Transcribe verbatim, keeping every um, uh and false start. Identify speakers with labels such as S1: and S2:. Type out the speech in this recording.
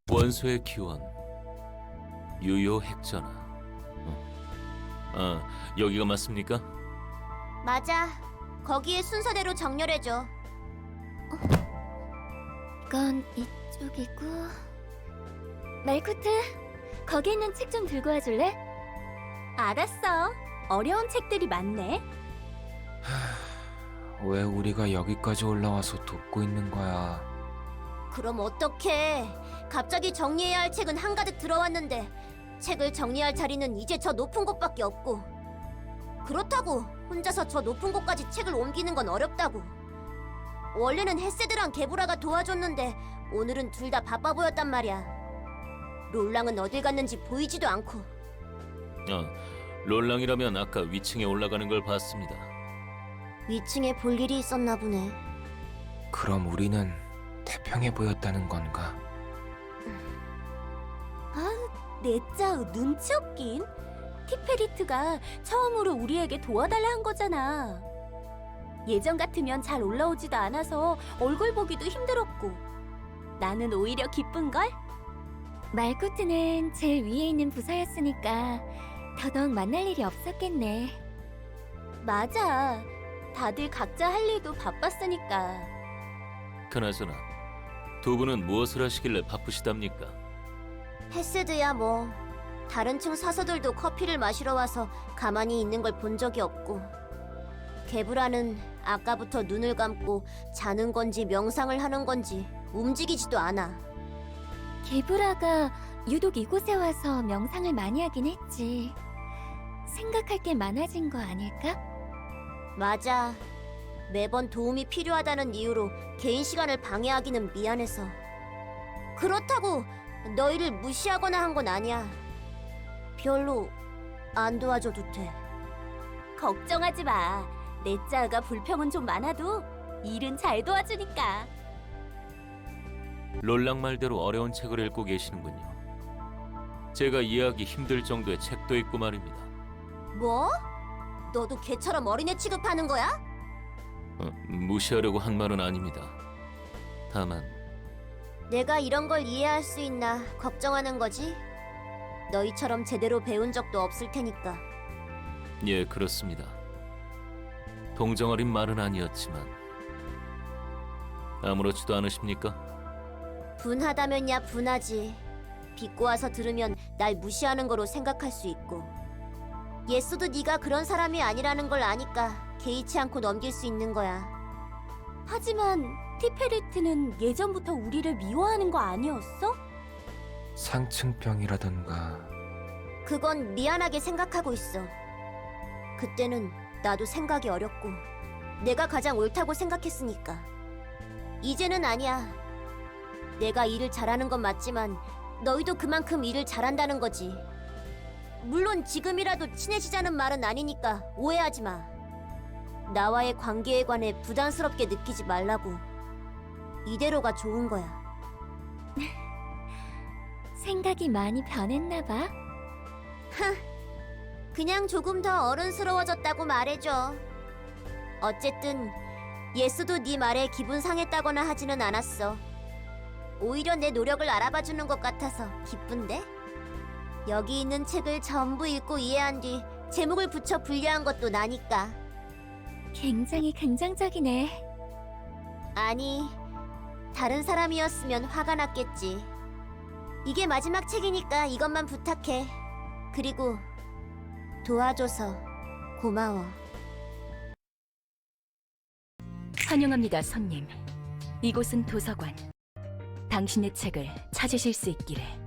S1: 원소의 기원, 유효 핵전화. 어. 아, 여기가 맞습니까?
S2: 맞아. 거기에 순서대로 정렬해줘.
S3: 이건 이쪽이고. 말코트, 거기 있는 책 좀 들고 와줄래? 알았어. 어려운 책들이 많네.
S4: 왜 우리가 여기까지 올라와서 돕고 있는 거야?
S2: 그럼 어떡해. 갑자기 정리해야 할 책은 한가득 들어왔는데 책을 정리할 자리는 이제 저 높은 곳밖에 없고, 그렇다고 혼자서 저 높은 곳까지 책을 옮기는 건 어렵다고. 원래는 헤세드랑 게브라가 도와줬는데 오늘은 둘 다 바빠 보였단 말이야. 롤랑은 어딜 갔는지 보이지도 않고.
S1: 어, 롤랑이라면 아까 위층에 올라가는 걸 봤습니다.
S2: 위층에 볼 일이 있었나 보네.
S4: 그럼 우리는 태평해 보였다는 건가?
S3: 내짜우 눈치 없긴. 티페리트가 처음으로 우리에게 도와달라 한 거잖아. 예전 같으면 잘 올라오지도 않아서 얼굴 보기도 힘들었고. 나는 오히려 기쁜걸? 말코트는 제일 위에 있는 부서였으니까 더더욱 만날 일이 없었겠네. 맞아. 다들 각자 할 일도 바빴으니까.
S1: 그나저나 두 분은 무엇을 하시길래 바쁘시답니까?
S2: 헤세드야 뭐. 다른 층 사서들도 커피를 마시러 와서 가만히 있는 걸 본 적이 없고, 게브라는 아까부터 눈을 감고 자는 건지 명상을 하는 건지 움직이지도 않아.
S3: 게브라가 유독 이곳에 와서 명상을 많이 하긴 했지. 생각할 게 많아진 거 아닐까?
S2: 맞아. 매번 도움이 필요하다는 이유로 개인 시간을 방해하기는 미안해서. 그렇다고 너희를 무시하거나 한 건 아니야. 별로 안 도와줘도 돼.
S3: 걱정하지 마. 내짜가 불평은 좀 많아도 일은 잘 도와주니까.
S1: 롤랑 말대로 어려운 책을 읽고 계시는군요. 제가 이해하기 힘들 정도의 책도 있고 말입니다.
S2: 뭐? 너도 걔처럼 어린애 취급하는 거야?
S1: 어, 무시하려고 한 말은 아닙니다. 다만
S2: 내가 이런 걸 이해할 수 있나 걱정하는 거지? 너희처럼 제대로 배운 적도 없을 테니까.
S1: 예, 그렇습니다. 동정어린 말은 아니었지만 아무렇지도 않으십니까?
S2: 분하다면야 분하지. 비꼬 와서 들으면 날 무시하는 거로 생각할 수 있고, 예스도 네가 그런 사람이 아니라는 걸 아니까 개의치 않고 넘길 수 있는 거야.
S3: 하지만 티페리트는 예전부터 우리를 미워하는 거 아니었어?
S4: 상층병이라던가.
S2: 그건 미안하게 생각하고 있어. 그때는 나도 생각이 어렸고 내가 가장 옳다고 생각했으니까. 이제는 아니야. 내가 일을 잘하는 건 맞지만 너희도 그만큼 일을 잘한다는 거지. 물론 지금이라도 친해지자는 말은 아니니까 오해하지 마. 나와의 관계에 관해 부담스럽게 느끼지 말라고. 이대로가 좋은 거야.
S3: 생각이 많이 변했나 봐.
S2: 그냥 조금 더 어른스러워졌다고 말해줘. 어쨌든 예스도 네 말에 기분 상했다거나 하지는 않았어. 오히려 내 노력을 알아봐주는 것 같아서 기쁜데? 여기 있는 책을 전부 읽고 이해한 뒤 제목을 붙여 분류한 것도 나니까.
S3: 굉장히 긍정적이네.
S2: 아니, 다른 사람이었으면 화가 났겠지. 이게 마지막 책이니까 이것만 부탁해. 그리고 도와줘서 고마워.
S5: 환영합니다, 손님. 이곳은 도서관. 당신의 책을 찾으실 수 있기를.